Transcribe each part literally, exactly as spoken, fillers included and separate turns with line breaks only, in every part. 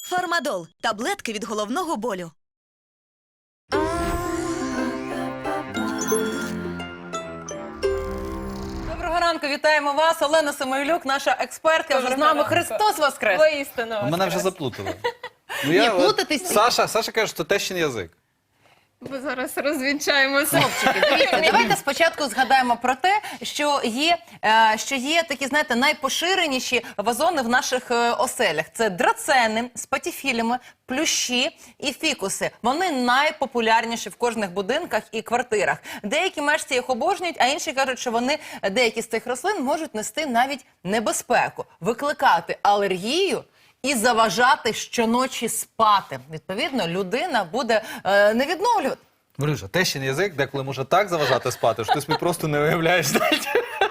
Фармадол – таблетки від головного болю.
Доброго ранку, вітаємо вас. Олена Самойлюк, наша експертка, вже з нами. Христос Воскрес!
Воістину.
Мене вже заплутали. Ну,
Ні,
я, от,
плутатись-
Саша, Саша каже, що тещин язик.
Бо зараз розвінчаємося.
Дивіться, давайте спочатку згадаємо про те, що є, е, що є такі, знаєте, найпоширеніші вазони в наших е, оселях. Це драцени з патіфілями, плющі і фікуси. Вони найпопулярніші в кожних будинках і квартирах. Деякі мешканці їх обожнюють, а інші кажуть, що вони, деякі з цих рослин можуть нести навіть небезпеку, викликати алергію і заважати щоночі спати. Відповідно, людина буде е, не відновлювати.
Марюша, тещин язик деколи може так заважати спати, що ти собі просто не уявляєш. знаєте.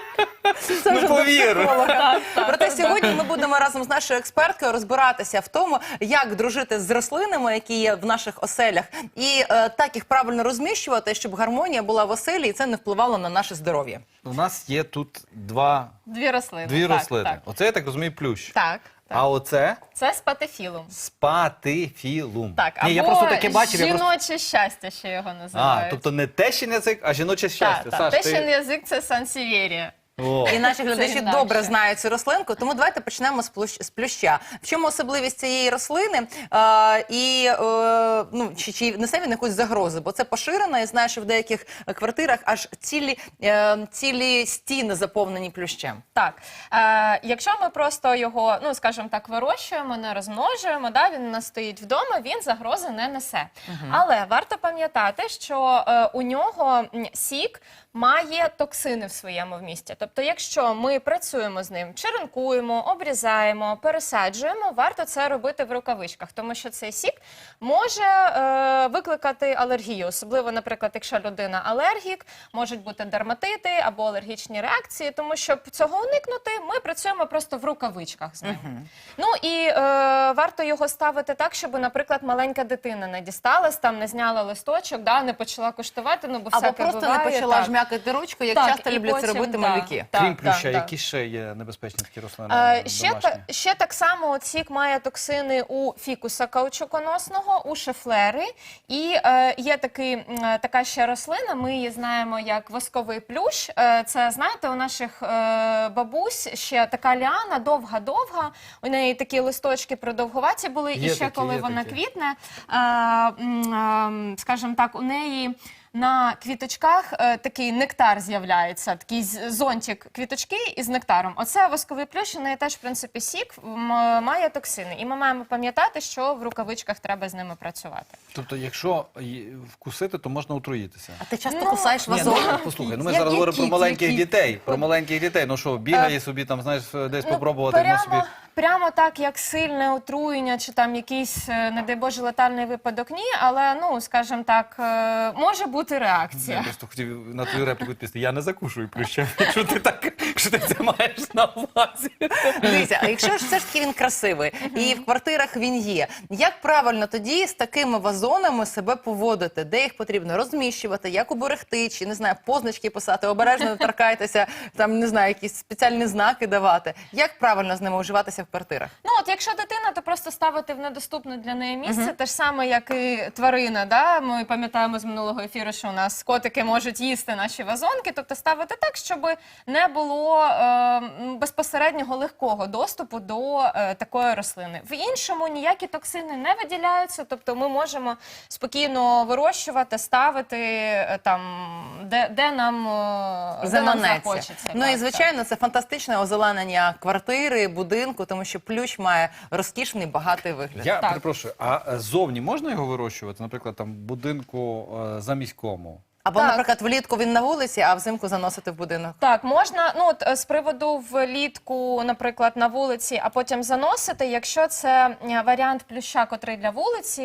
Це
Ну,
вже
повір.
до психолога. Проте сьогодні ми будемо разом з нашою експерткою розбиратися в тому, як дружити з рослинами, які є в наших оселях, і е, так їх правильно розміщувати, щоб гармонія була в оселі і це не впливало на наше здоров'я.
У нас є тут два,
Дві рослини.
дві
так,
рослини.
Так,
Оце, я так розумію, плющ.
так. так.
А оце
Це спатифілум.
спатифілум.
Так,
Ні, я
або
просто таке бачив. Я
жіноче
просто...
щастя ще його
А,
називають.
тобто не тещин язик, а жіноче щастя.
Так,
Саш,
так.
ти...
Тещин язик – це сансівєрія.
О.
І наші глядачі
інакше.
добре знають цю рослинку, тому давайте почнемо з, плющ, з плюща. В чому особливість цієї рослини? Е, і е, ну, чи, чи несе він якусь загрозу? Бо це поширено, і знаю, що в деяких квартирах аж цілі, е, цілі стіни заповнені плющем.
Так, е, якщо ми просто його, ну скажімо так, вирощуємо, не розмножуємо, да, він у нас стоїть вдома, він загрози не несе. Але варто пам'ятати, що е, у нього м, сік має токсини в своєму вмісті. Тобто, якщо ми працюємо з ним, черенкуємо, обрізаємо, пересаджуємо, варто це робити в рукавичках, тому що цей сік може е, викликати алергію. Особливо, наприклад, якщо людина алергік, можуть бути дерматити або алергічні реакції, тому щоб цього уникнути, ми працюємо просто в рукавичках з ним. Ну і е, варто його ставити так, щоб, наприклад, маленька дитина не дісталась, там не зняла листочок, да, не почала куштувати, ну бо
Або
всяке
просто
буває,
не почала
так.
жмякати ручку, як
Так,
часто
і
люблять це
потім,
робити
да.
малюки.
Так,
Крім плюща,
так,
які
так.
ще є небезпечні такі рослини
Е, ще,
домашні?
та, ще так само от сік має токсини у фікуса каучуконосного, у шефлери. І е, є такий, м, така ще рослина, ми її знаємо як восковий плющ. Е, це, знаєте, у наших е, бабусь ще така ліана, довга-довга. У неї такі листочки продовгуваті були.
Є
і ще
такі,
коли
є
вона
такі.
квітне, е, м, е, скажімо так, у неї... На квіточках е, такий нектар з'являється, такий з- зонтик квіточки із нектаром. Оце восковий плющ, у неї теж, в принципі, сік м, має токсини. І ми маємо пам'ятати, що в рукавичках треба з ними працювати.
Тобто, якщо й- вкусити, то можна отруїтися.
А ти часто
Ну,
кусаєш
Ні,
вазон?
ну, послухай, ну ми
Я-
зараз говоримо про
які-
маленьких
які?
дітей. Про маленьких дітей. Ну що, бігає собі там, знаєш, десь попробувати, ну собі.
прямо, прямо так, як сильне отруєння, чи там якийсь, е, не дай Боже, летальний випадок, ні. Але, ну, скажімо так, е, може бути
Я
реакція.
просто хотів на твою репліку відповісти. Я не закушую плюща. Якщо ти так, якщо ти це маєш на увазі.
Дивіться, а якщо ж все ж таки він красивий і в квартирах він є, як правильно тоді з такими вазонами себе поводити? Де їх потрібно розміщувати, як уберегти, чи, не знаю, позначки писати, обережно не торкайтеся, там, не знаю, якісь спеціальні знаки давати. Як правильно з ними уживатися в квартирах?
Ну, от якщо дитина, то просто ставити в недоступне для неї місце, те ж саме, як і тварина. Да? Ми пам'ятаємо з минулого ефіру, що у нас котики можуть їсти наші вазонки, тобто ставити так, щоб не було е, м, безпосереднього легкого доступу до е, такої рослини. В іншому ніякі токсини не виділяються, тобто ми можемо спокійно вирощувати, ставити е, там, де, де нам, е, де нам
Заманеться.
захочеться.
Ну
Так,
і,
так.
звичайно, це фантастичне озеленення квартири, будинку, тому що плющ має розкішний, багатий вигляд.
Я
Так.
перепрошую, а е, зовні можна його вирощувати? Наприклад, там в будинку е, заміському?
Або,
Так.
наприклад, влітку він на вулиці, а взимку заносити в будинок.
Так, можна, ну от е, з приводу влітку, наприклад, на вулиці, а потім заносити, якщо це е, варіант плюща, котрий для вулиці,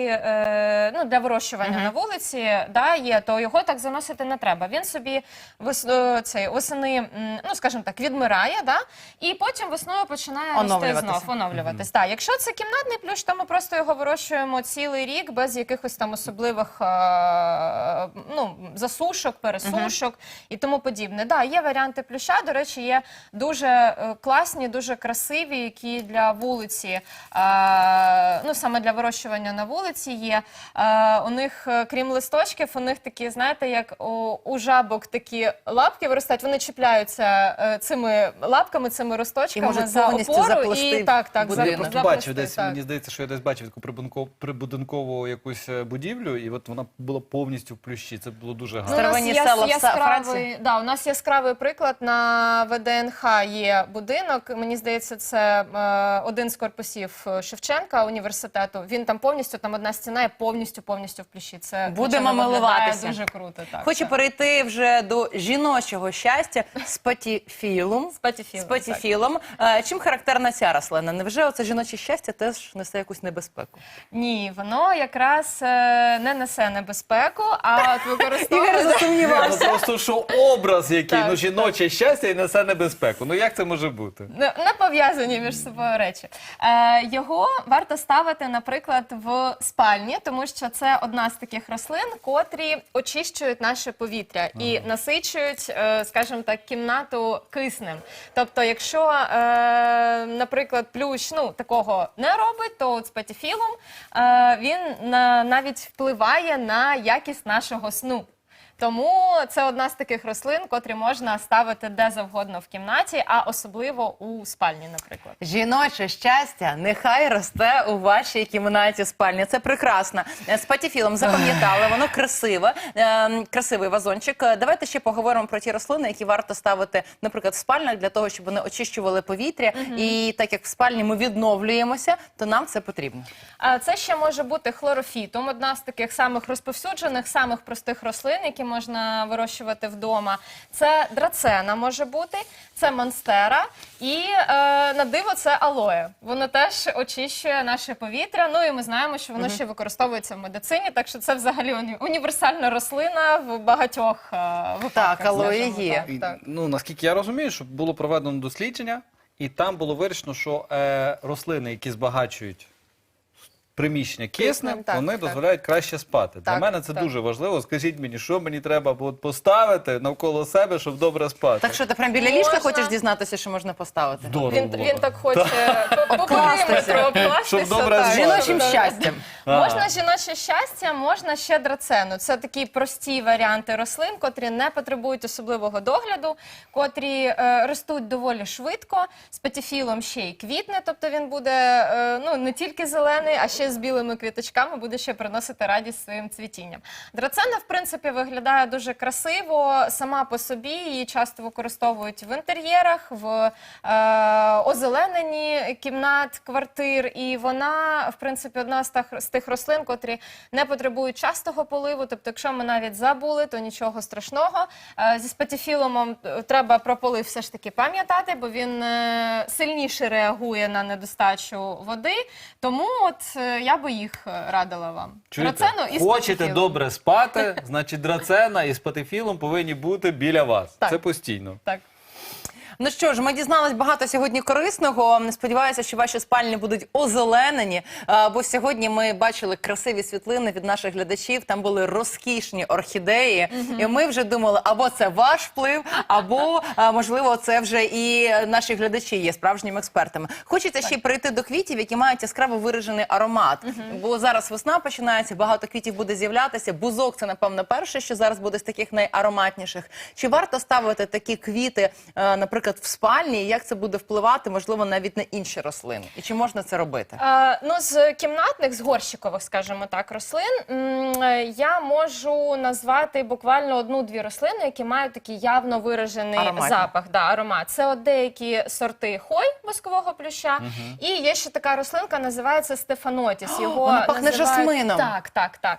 е, ну для вирощування на вулиці, да, є, то його так заносити не треба. Він собі вес, е, цей, восени, м, ну скажімо так, відмирає, да, і потім весною починає рости
Оновлюватися.
знов, оновлюватись. Так, якщо це кімнатний плющ, то ми просто його вирощуємо цілий рік без якихось там особливих е, ну, засобів. просушок, пересушок і тому подібне. Да, є варіанти плюща, до речі, є дуже е, класні, дуже красиві, які для вулиці, е, ну саме для вирощування на вулиці є. Е, у них, е, крім листочків, у них такі, знаєте, як у, у жабок такі лапки виростають, вони чіпляються е, цими лапками, цими росточками
можуть
за
повністю
опору
заплести
і так, так,
будинок.
Я
за-
просто
заплести,
бачив десь,
так.
мені здається, що я десь бачив таку прибудинкову, прибудинкову якусь е, будівлю, і от вона була повністю в плющі. Це було дуже
Ну,
гарно.
у нас
Старовинні
яс-
села в Са-
яскравий,
Франції.
да, у нас яскравий приклад на ВДНХ є будинок. Мені здається, це е, один з корпусів Шевченка університету. Він там повністю, там одна стіна є повністю повністю в плющі. Це
Будемо
звичайно, виглядає
милуватися.
Дуже круто. Так,
Хочу
так.
перейти вже до жіночого щастя з патіфілум.
З патіфілом,
З патіфілом. Е, Чим характерна ця рослина? Невже оце жіноче щастя теж несе якусь небезпеку?
Ні, воно якраз е, не несе небезпеку, а от використовує...
Ні, ну просто що образ який,
Так,
ну жіноче щастя і несе небезпеку. Ну як це може бути?
Не не пов'язані між собою речі. Е, його варто ставити, наприклад, в спальні, тому що це одна з таких рослин, котрі очищують наше повітря і насичують, е, скажімо так, кімнату киснем. Тобто, якщо, е, наприклад, плющ ну, такого не робить, то от з патіфілом е, він на, навіть впливає на якість нашого сну. Тому це одна з таких рослин, котрі можна ставити де завгодно в кімнаті, а особливо у спальні, наприклад.
Жіноче щастя нехай росте у вашій кімнаті спальні. Це прекрасно. Е, З патіфілом запам'ятали, воно красиве, е, красивий вазончик. Е, Давайте ще поговоримо про ті рослини, які варто ставити, наприклад, в спальнях, для того, щоб вони очищували повітря. І так як в спальні ми відновлюємося, то нам це потрібно.
А це ще може бути хлорофітум, одна з таких самих розповсюджених, самих простих рослин, які можна вирощувати вдома. Це драцена може бути, це монстера і е, на диво це алоє. Воно теж очищує наше повітря. Ну і ми знаємо, що воно ще використовується в медицині, так що це взагалі уні- універсальна рослина в багатьох е, випадках.
Так, алоє
скажімо
є.
так,
І,
так.
ну наскільки я розумію, що було проведено дослідження, і там було вирішено, що е, рослини, які збагачують приміщення киснем,
Киснем, так,
вони
так.
дозволяють краще спати. Для
Так,
мене це
так.
дуже важливо. Скажіть мені, що мені треба от поставити навколо себе, щоб добре спати.
Так що ти прям біля ліжка
Можна.
хочеш дізнатися, що можна поставити?
Здорово
Він,
було
він
б.
так хоче по- по периметру обкластися.
Щоб добре
так.
спати.
Жіночим
Так.
щастям.
А.
Можна жіноче щастя, можна ще драцену. Це такі прості варіанти рослин, котрі не потребують особливого догляду, котрі е, ростуть доволі швидко. З патіфілом ще й квітне, тобто він буде е, ну, не тільки зелений, а ще з білими квіточками буде ще приносити радість своїм цвітінням. Драцена, в принципі, виглядає дуже красиво сама по собі. Її часто використовують в інтер'єрах, в е, озелененні кімнат, квартир. І вона, в принципі, одна з тих, з тих рослин, котрі не потребують частого поливу. Тобто, якщо ми навіть забули, то нічого страшного. Е, зі спатіфілумом е, треба про полив все ж таки пам'ятати, бо він е, сильніше реагує на недостачу води. Тому от е, я би їх е, радила вам.
Чуєте?
Драцену і з
Хочете
патіфілом.
добре спати, значить драцена і з патифілом повинні бути біля вас.
Так.
Це постійно.
Так.
Ну що ж, ми дізнались багато сьогодні корисного. Сподіваюся, що ваші спальні будуть озеленені. А, Бо сьогодні ми бачили красиві світлини від наших глядачів. Там були розкішні орхідеї. І ми вже думали, або це ваш вплив, або, а, можливо, це вже і наші глядачі є справжніми експертами. Хочеться ще й перейти до квітів, які мають яскраво виражений аромат. Бо зараз весна починається, багато квітів буде з'являтися. Бузок – це, напевно, перше, що зараз буде з таких найароматніших. Чи варто ставити такі квіти, е, наприклад, в спальні, і як це буде впливати, можливо, навіть на інші рослини? І чи можна це робити?
Е, ну, з кімнатних, з горщикових, скажімо так, рослин, м, е, я можу назвати буквально одну-дві рослини, які мають такий явно виражений
Ароматні.
запах, да, аромат. Це от деякі сорти хой воскового плюща, і є ще така рослинка, називається стефанотіс. Його
вона пахне
називають-
жасмином.
Так, так, так.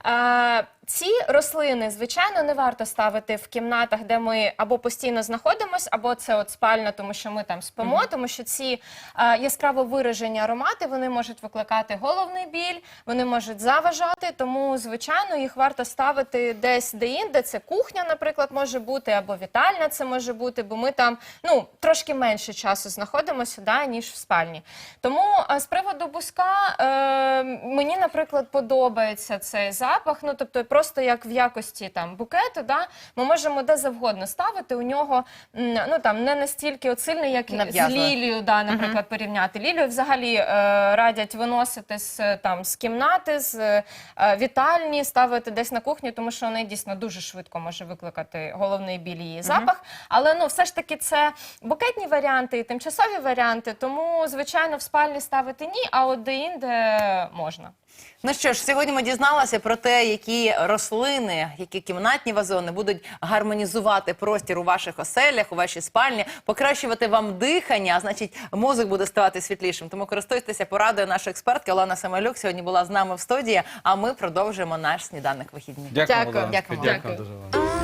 Е, Ці рослини, звичайно, не варто ставити в кімнатах, де ми або постійно знаходимося, або це от спальня, тому що ми там спимо, тому що ці е, яскраво виражені аромати, вони можуть викликати головний біль, вони можуть заважати, тому, звичайно, їх варто ставити десь де-інде. Це кухня, наприклад, може бути, або вітальня це може бути, бо ми там, ну, трошки менше часу знаходимося, да, ніж в спальні. Тому е, з приводу бузка, е, мені, наприклад, подобається цей запах, ну, тобто, просто як в якості там букету, да, ми можемо де завгодно ставити. У нього м, ну там не настільки от сильний, як з
Нав'язливо.
лілією, да, наприклад, порівняти. Лілію взагалі е, радять виносити з там з кімнати, з е, вітальні, ставити десь на кухні, тому що вона дійсно дуже швидко може викликати головний біль її запах. Але ну все ж таки це букетні варіанти і тимчасові варіанти, тому звичайно в спальні ставити ні, а от де-інде можна.
Ну що ж, сьогодні ми дізналися про те, які рослини, які кімнатні вазони будуть гармонізувати простір у ваших оселях, у вашій спальні, покращувати вам дихання, а значить, мозок буде ставати світлішим. Тому користуйтеся порадою нашої експертки Олена Семелюк. Сьогодні була з нами в студії, а ми продовжуємо наш сніданок вихідні.
Дякую,
Дякую.
Олена.
Дякую.
Дякую
Дякую.
дуже вам.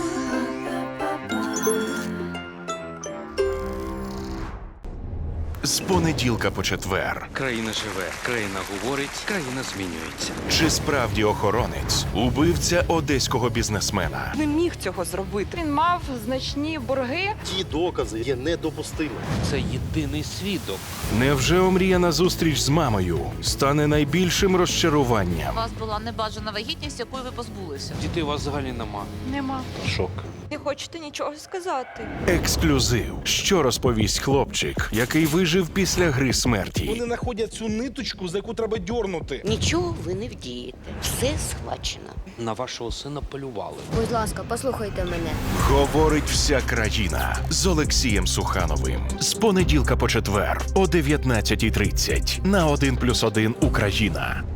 З понеділка по четвер.
Країна живе, країна говорить, країна змінюється.
Чи справді охоронець убивця одеського бізнесмена?
Не міг цього зробити. Він мав значні борги.
Ті докази є недопустимими.
Це єдиний свідок.
Невже омріяна зустріч з мамою стане найбільшим розчаруванням?
У вас була небажана вагітність, якої ви позбулися.
Дітей у вас взагалі нема.
Нема.
Шок.
Не хочете нічого сказати.
Ексклюзив. Що розповість хлопчик, який вижив після гри смерті?
Вони знаходять цю ниточку, за яку треба дьорнути.
Нічого ви не вдієте. Все схвачено.
На вашого сина полювали.
Будь ласка, послухайте мене.
Говорить вся країна з Олексієм Сухановим. З понеділка по четвер о дев'ятнадцятій тридцять на один плюс один Україна.